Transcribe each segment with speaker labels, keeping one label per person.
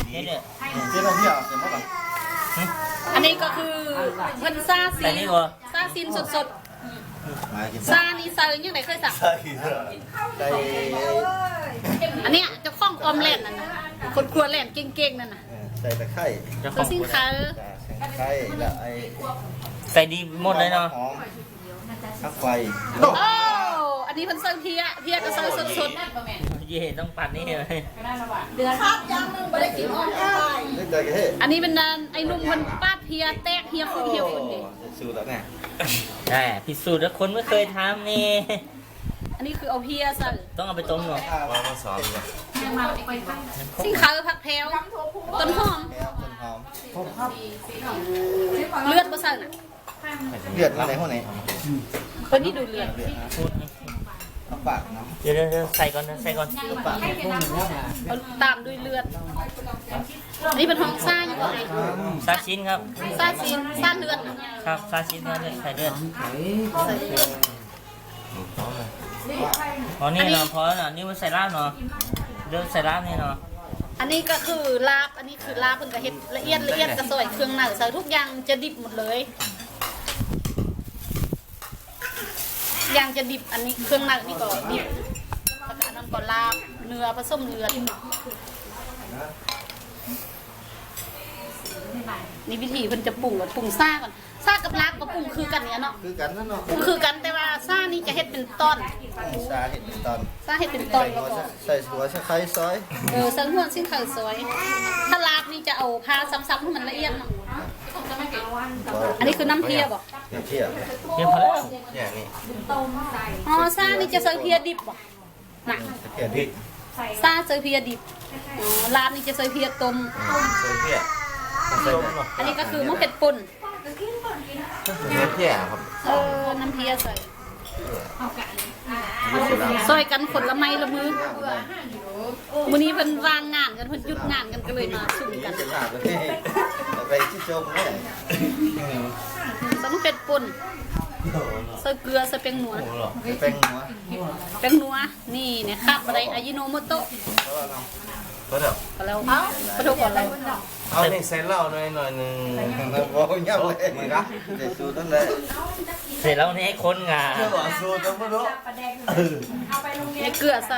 Speaker 1: นี่เนี่ย
Speaker 2: เจ๊เราพี่เอาเสร็จแล้วป่ะ
Speaker 3: อันนี้ก็คือเพิ่นซาซี
Speaker 1: แต่นี่ก็
Speaker 3: ซาซีนสด
Speaker 2: มากิน
Speaker 3: ๆซานี่ซายังไงเคยสั่ง
Speaker 2: ใส่ใส่
Speaker 3: อันเนี้ยเจ้าของออมเล่นนั่นน่ะคนครัวเล่นเก่งๆนั่นน่ะ
Speaker 2: ใส่ตะไคร้
Speaker 1: เจ้าข
Speaker 3: ตั
Speaker 1: อ
Speaker 3: ว
Speaker 1: ง
Speaker 3: สินค้า
Speaker 2: ตะไคร้แล้วไอ้
Speaker 1: ใส่ดีหมดเลยเนาะ
Speaker 2: หอมข้าวไฟ
Speaker 3: โอ้อันนี้เพิ่นเซิร์ฟเพียก็เซิร์ฟสด
Speaker 1: เย่ต้องปัดนี่เลย
Speaker 3: ๆเดือนครับยังนึงบ่ได้กินออมได้
Speaker 2: เล่นใจกันเฮ้
Speaker 3: อันนี้เป็นนานไอ้นุ่มเพิ่นปาดเพียแตกเฮียคือเฮียคนนี้
Speaker 2: สูตรแล้วเนี่ย
Speaker 1: ใช่พิสูจน์แล้วคนไม่เคยทำนี่
Speaker 3: อันนี้คือเอาเพียซะ
Speaker 1: ต้องเอาไปต้มหน่อย
Speaker 2: มาสอนเลย
Speaker 3: สินค้าผักแพรวต้นหอม
Speaker 2: แก้วต้นหอม
Speaker 3: เลือดบ่ซั่นน่ะ
Speaker 2: เลือดมาไหนหัวไหน
Speaker 3: เพิ่นนี่ดูเลือด
Speaker 1: พูด
Speaker 2: เอาปากน้ำ
Speaker 1: เดี๋ยวใส่ก่อนใส่ก่อน
Speaker 2: ปาก
Speaker 3: เอาตามด้วยเลือดอันนี้เป็นห้องซ่าอยู่บ่ไอ้
Speaker 1: ซาชิ้นครับ
Speaker 3: ซ่าซีนซ่าเลือดน่ะ
Speaker 1: ครับซาชิ้นเนี่ยใส่เลือด
Speaker 3: ใส่เลือด
Speaker 1: อ๋อนี่เนาะพอแล้วเนาะนี่มันใส่ลาบเนาะเลือดใส่ลาบนี่เนาะ
Speaker 3: อันนี้ก็คือลาบอันนี้คือลาบเพิ่นก็เฮ็ดละเอียดกระซอยเครื่องในใส่ทุกอย่างจะดิบหมดเลยอย่างจะดิบอันนี้เครื่องในนี่ก็ดิบแล้วก็อันนั้นก็ลาบเนื้อผสมเลือดนี่วิธีเพิ่นจะปรุงก่อนปรุงซ่าก่อนซ่ากับลาบก็ปรุงคือกันเนี่ยเนาะ
Speaker 2: คือกันนั่นเนาะ
Speaker 3: ปรุงคือกันแต่ว่าซ่านี่จะเฮ็ดเป็นตอน
Speaker 2: ซาเห็ดตอน
Speaker 3: ซ่าเฮ็ดเป็นตอนแล้วก็
Speaker 2: ใส่หัวใส่ไข่ซอย
Speaker 3: เซิงหัวสิ้นข้าวซอยถ้าลาบนี่จะเอาพาซ้ำๆให้มันละเอียดเนาะอันนี้คือน้ำเพียบ่
Speaker 2: เนี่ยเที่ยว
Speaker 1: เพียงพอแล้ว
Speaker 2: เนี่ยนี่
Speaker 3: อ๋อซ่านี่จะเซิงเพียดิบบ่น่ะ
Speaker 2: เที่ยวพริก
Speaker 3: ซ่าเซิงเพียดิบอ๋อลาบนี่จะเซิงเพียต้ม
Speaker 2: ใส่เที่ยวใส่
Speaker 3: อันนี้ก็คือมะเผ็ดป่น
Speaker 2: เที่ยวครับ
Speaker 3: น้ำเพียใส่ซอยกันคนละไม้ละมือมื้อนี้เพิ่นวางงานกันเพิ่นหยุดงานกันก็เลยมาสุ่มกัน
Speaker 2: จะหาเลยไปที่โจมเนี่ย
Speaker 3: ใส่มะเผ็ดป่นใส่เกลือใส่แป้งนัว
Speaker 2: แป้งหัว
Speaker 3: แป้งนัวนี่เนี่ยคาดอะไรอายิโนโมโตะ
Speaker 2: ก็เดี๋ยว
Speaker 3: ก็แล้วกระทบก่อนเรา
Speaker 4: เอานี่ใส่เหล้าหน่อยหนึง
Speaker 2: โอ้ยเงียบเลยมึงนะเด็ดสูตรนั่นแหละ
Speaker 1: เสร็จแล้วนี่ให้คนงา
Speaker 4: เชื่อว่าสูตรต้องบ่รู้
Speaker 3: เนี่ยเกลือใส่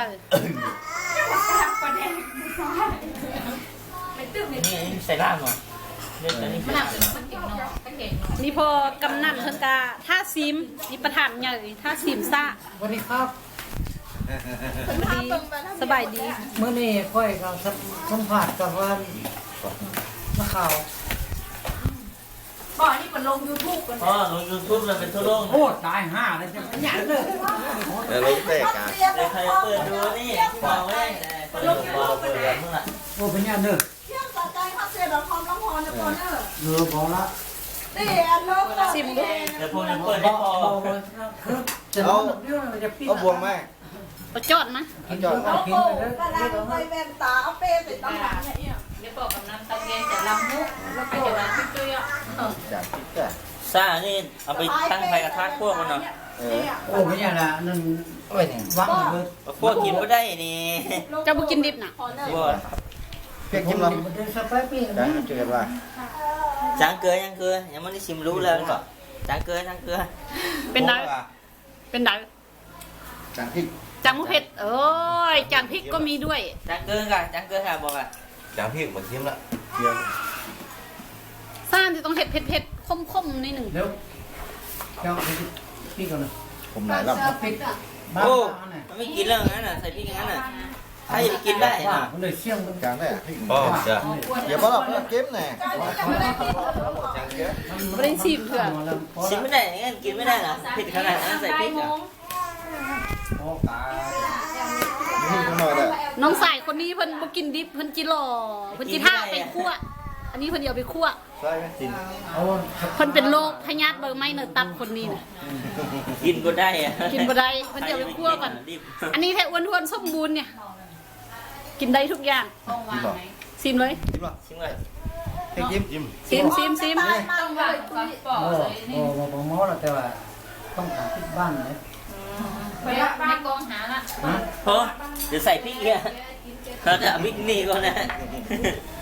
Speaker 1: นี่ใส่ลาบเนาะเลือดตัวนี้ใส่ลาบ
Speaker 3: นี่พอกำนันเพิ่นกาท่าซิมนี่ประธานใหญ่ท่าซิมซ่า
Speaker 5: สวัสดีครับ
Speaker 3: ดีสบายดี
Speaker 5: เมื่อนี้ค่อยกับสัมผัสกับว่านักข่าว
Speaker 1: พ่อลงยูทูบเลยเป็นทั่วโลก
Speaker 5: โอ้ตายห่าเลยจะขยันเลย
Speaker 2: แล้วลูกเตะกัน
Speaker 1: เดี๋ยวใครเปิดดูนี่ที่บอกไว้เปิดบอกเปิดแบบมึงอ่ะ
Speaker 5: โอ้ขยันเลย
Speaker 6: เที่ยงต่อใจครับเสียดอกคอมร้องฮอนนะปอนเนอร์
Speaker 5: เรือพอละ
Speaker 6: นี่นก
Speaker 3: ซิมดู
Speaker 1: เดี๋ยวพวกนี้เปิดได้พอ
Speaker 5: คือจะนอนเดียวจะปิด
Speaker 2: เอาบวงไหม
Speaker 3: เอาจอดนะ
Speaker 5: กินจอด
Speaker 6: โอ้
Speaker 5: กิ
Speaker 6: โห
Speaker 5: นเลย
Speaker 6: กระลังไปแว่นตาเอาเป้ไปต้องหลังเนี่ย
Speaker 3: เดี๋ยวบอกกับน้ำตะเกียงจะลำมุกแล้วก็จะมาช่วยๆอ่ะ
Speaker 2: จากที่จ้ะ
Speaker 1: ซ่านี่เอาไปตั้งไฟกระทะพวกมันเนาะ
Speaker 5: โอ้ขยันละนั่น
Speaker 2: โอ้ยเนี่ย
Speaker 5: วังเลย
Speaker 1: พวกกินไม่ได้นี่
Speaker 3: จะบ่กินดิบน่ะ
Speaker 1: พวก
Speaker 2: เพียกจิ้มล
Speaker 5: มันจะสไปปี้
Speaker 2: ำได้เจอกันว่า
Speaker 1: จางเกลือยังเกลือยังไม่ได้ชิมรู้แล้วก็จางเกลือ
Speaker 3: เป็นไดเป็นได
Speaker 2: จากพริก
Speaker 3: จังมะเผ็ดเอ้ยจางพริกก็มีด้วย
Speaker 1: จางเกลือค่ะบอกอ่ะ
Speaker 4: จางพี่บ่ชิมละ
Speaker 2: เดียว
Speaker 3: ซ่านจะต้องเผ็ดเผ็ดคมๆนิดหนึ่ง
Speaker 5: เดี๋ยวเจ้าพี่ก่อนเลย
Speaker 2: ผมหลายรอบ
Speaker 5: ปิดบ้าน
Speaker 1: โอ้
Speaker 5: บ้านไหน
Speaker 1: มันไม่กินแล้วงั้นน่ะใส่พริกอย่างนั้นน่ะถ้าจะกินได้
Speaker 5: ว่า
Speaker 1: น่ะ
Speaker 5: มันเลยเชี่ยงกัน
Speaker 2: จางได้พริก
Speaker 4: อ๋อจ้ะ
Speaker 2: อย่าบอกว่าเก็บแน่จางเก็บ
Speaker 3: ไม่ได้ชิมเถอะ
Speaker 1: ชิมไม่ได้งั้นกินไม่ได้น่ะเผ็ดขนาดนั้นใส่พริกอ่ะ
Speaker 5: โอ้ตาย
Speaker 2: นี่ก็หน่อยแหละ
Speaker 3: น้องสายคนนี้เพิ่นบ่กินดิบเพิ่นจิหล่อเพิ่นจิท่าไปคั่วอันนี้เพิ่นเดี๋ยวไปคั่ว
Speaker 2: ใช่ไหมจิน
Speaker 5: เอา
Speaker 3: เพิ่นเป็นโรคพยาธิเบอร์ไม่เนื้อตับคนนี้น่ะ
Speaker 1: กินก็ได้อะ
Speaker 3: กินบ่ได้เพิ่นเดี๋ยวไปคั่วก่อน
Speaker 1: รีบ
Speaker 3: อันนี้แท้อ้วนๆสมบูรณ์เนี่ย กินได้ทุกอย่าง
Speaker 2: จิ้มหรอ
Speaker 3: ซิมเลย
Speaker 2: จิ้มหรอ
Speaker 1: ชิมเลย
Speaker 2: พริกจิ้ม
Speaker 3: ซิม
Speaker 6: ต้องหวานก่อนปอก
Speaker 5: โอ้โหหมอแล้วแต่ว่าต้องการปิดบ้านเลย
Speaker 6: ไปในกองหาละ
Speaker 1: เพราะเดี๋ยวใส่พริกเนี่ยเราจะเอาพริกนี่ก่อนนะ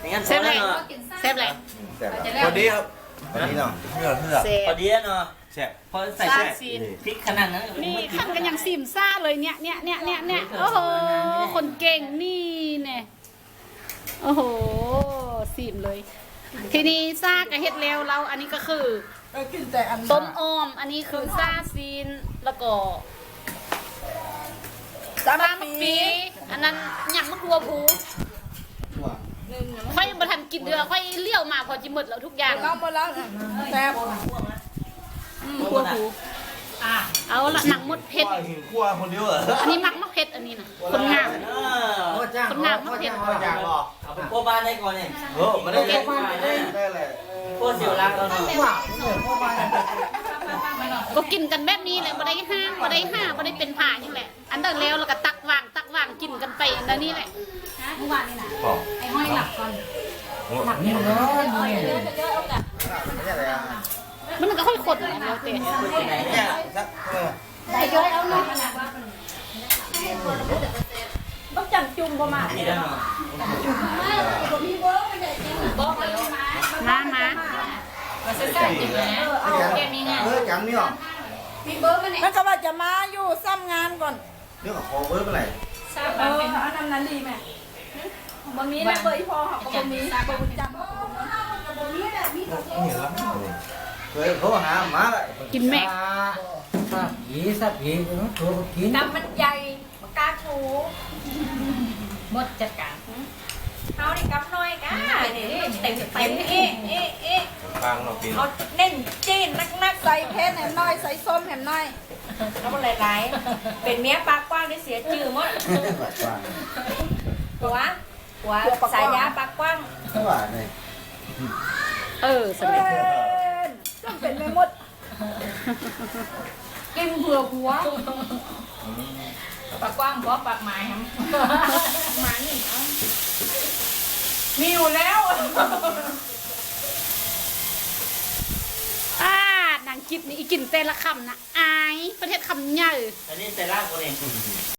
Speaker 1: งั้น
Speaker 3: เซฟเลย
Speaker 1: เนาะ
Speaker 3: เซฟเลย
Speaker 2: แต่ละ
Speaker 4: พอดีครับ
Speaker 2: วันนี้เนาะ
Speaker 4: เพื่อ
Speaker 3: เซ
Speaker 1: พ
Speaker 3: ฟ
Speaker 1: อดีเนาะ
Speaker 4: แซ่บ
Speaker 1: พอใส่
Speaker 3: ซา
Speaker 1: แซ่
Speaker 3: ซีน
Speaker 1: พริกขนาดนั้น
Speaker 3: นี่ขั้นกันอย่างซิมซ่าเลยเนี่ยโอ้โหคนเก่งนี่เนี่ยโอ้โหซิมเลย ทีนี้ซากับเฮ็ดแล้วเราอันนี้ก็คือ
Speaker 6: กินแต่อัน
Speaker 3: ต้มออมอันนี้คือซาซีนแล้วก็
Speaker 6: สา
Speaker 3: ซาม มะปีอันนั้นหยังมะกลัวผูค่อยมาทันกินเดือค่อยเลี้ยวมาพอจิหมดแล้วทุกอย่าง
Speaker 6: เราหมดแล้วแซ่บ
Speaker 3: กลัวผูเอาละหนังมดเผ็ด
Speaker 4: หิวคั่วคนเดียวเหรอ
Speaker 3: อันนี้มักมะเผ็ดอันนี้นะคนงาม
Speaker 5: พ่อจ้าง
Speaker 3: คนงามมะเผ็ด
Speaker 2: พ่ออยากบอก
Speaker 1: เอาไปโคบ้านได้ก่อนเนี่ย
Speaker 4: เออไม่ได้
Speaker 2: ได้เลย
Speaker 1: โคเสียวรักเราเนาะ
Speaker 5: ว่าเนี่ยพ่อมา
Speaker 3: ก็กินกันแบบนี้แหละบ่ได้ห้างบ่ได้เป็นผ่าอย่างแหละ อันเดินแล้วแล้วก็ตักวางกินกันไปอันนี้แหละเมื่อวานนี่นะ
Speaker 4: พอ
Speaker 3: ไอ้ห้อยหลับก่อน
Speaker 5: นี่เนาะนี่
Speaker 2: ไม่ใช่อะไรอ่ะ
Speaker 3: มันก็ค่อยขดแหละแล้วแต่
Speaker 2: เนี่ยสักเออ
Speaker 3: ไอ้ย้อยเอาหน่อย
Speaker 6: ต้องจังจุ่มประมาณ
Speaker 1: นี่ได้เนาะ
Speaker 3: มา
Speaker 6: มาใส่ๆกินนะ
Speaker 2: เอาแกมีงานจังนี่หรอ
Speaker 6: มันก็ว่าจะมาอยู่ซ้ำงานก่อน
Speaker 2: เรื่องของคอเวิร์กอะไร
Speaker 6: อันนั้นดีแม่บางนี้นะเบยพอค่ะบางนี้บางจำ
Speaker 4: เห็นแล้ว
Speaker 2: เคยเขาหามาเลย
Speaker 3: กินแม่
Speaker 5: สับผีตัวกิน
Speaker 6: น้ำมันใหญ่ปากกาชู
Speaker 3: หมดจัดการ
Speaker 6: เอาดิกับน้อยก้านี่เต็มเอ๊ะ
Speaker 4: กลางเรากิน
Speaker 6: เอาเน่นจีนนักใส่เพชรแหมน้อยใส่ส้มแหมน้อยแล้วมันหลายๆเป็นเมียปากกว้างได้เสียจื่อหมดหัวสายยาปากกว้าง
Speaker 2: ไม่ว่าเลย
Speaker 3: สำเร็จ
Speaker 6: ต้องเป็นไม่หมดกินเผื่อหัวปากกว้างบ่ปากหมายครับหมานี่มีอยู่แล้ว
Speaker 3: นางกิบนี่อีกินเต้นละคำนะอายประเทศคำใหญ่
Speaker 1: อันนี้ใส่รากคนเอง